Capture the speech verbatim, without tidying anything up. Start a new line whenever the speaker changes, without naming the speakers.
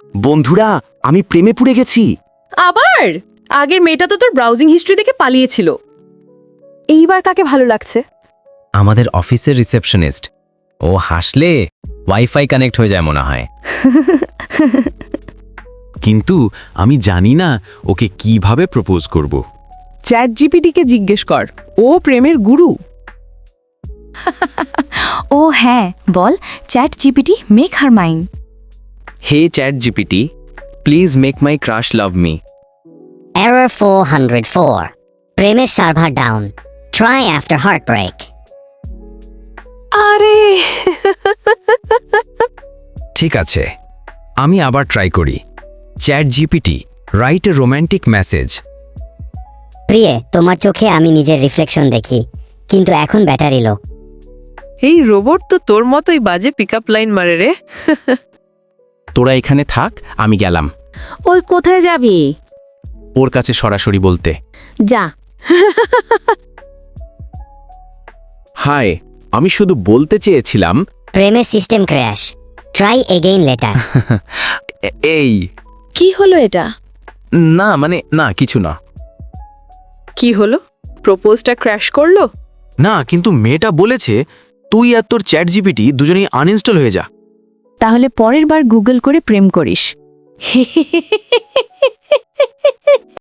বন্ধুরা, আমি প্রেমে পড়ে গেছি।
আবার আগের মেয়েটা তো তোর ব্রাউজিং হিস্ট্রি দেখে পালিয়েছিল।
এইবার কাকে ভালো লাগছে?
আমাদের অফিসের রিসেপশনিস্ট। ও হাসলে ওয়াইফাই কানেক্ট হয়ে যায় মনে হয়।
কিন্তু আমি জানি না ওকে কিভাবে প্রপোজ করব।
চ্যাট জিপিটিকে জিজ্ঞেস কর, ও প্রেমের গুরু।
ও হ্যাঁ, বল ChatGPT make her mind.
Hey ChatGPT, please make my crush love me.
Error four hundred four. প্রেমের server down. Try after heartbreak.
আরে
ঠিক আছে, আমি আবার ট্রাই করি। ChatGPT, write a romantic message.
প্রিয়ে, তোমার চোখে আমি নিজের রিফ্লেকশন দেখি, কিন্তু এখন ব্যাটারি লো।
এই রোবট তো তোর মতোই বাজে পিকআপ লাইন মারে রে।
তোরা এখানে থাক, আমি গেলাম
ওই কোথায় যাবি?
ওর কাছে সরাসরি বলতে।
যা।
হাই, আমি শুধু বলতে চেয়েছিলাম।
প্রেমের system crash. Try again later.
এ- এই
কি হলো এটা?
না মানে না, কিছু না।
কি হলো? প্রপোজটা ক্র্যাশ করলো?
না, কিন্তু মেয়েটা বলেছে তুই আর তোর চ্যাট জিপিটি দুজনেই আনইনস্টল হয়ে যা।
তাহলে পরের বার গুগল করে প্রেম করিস।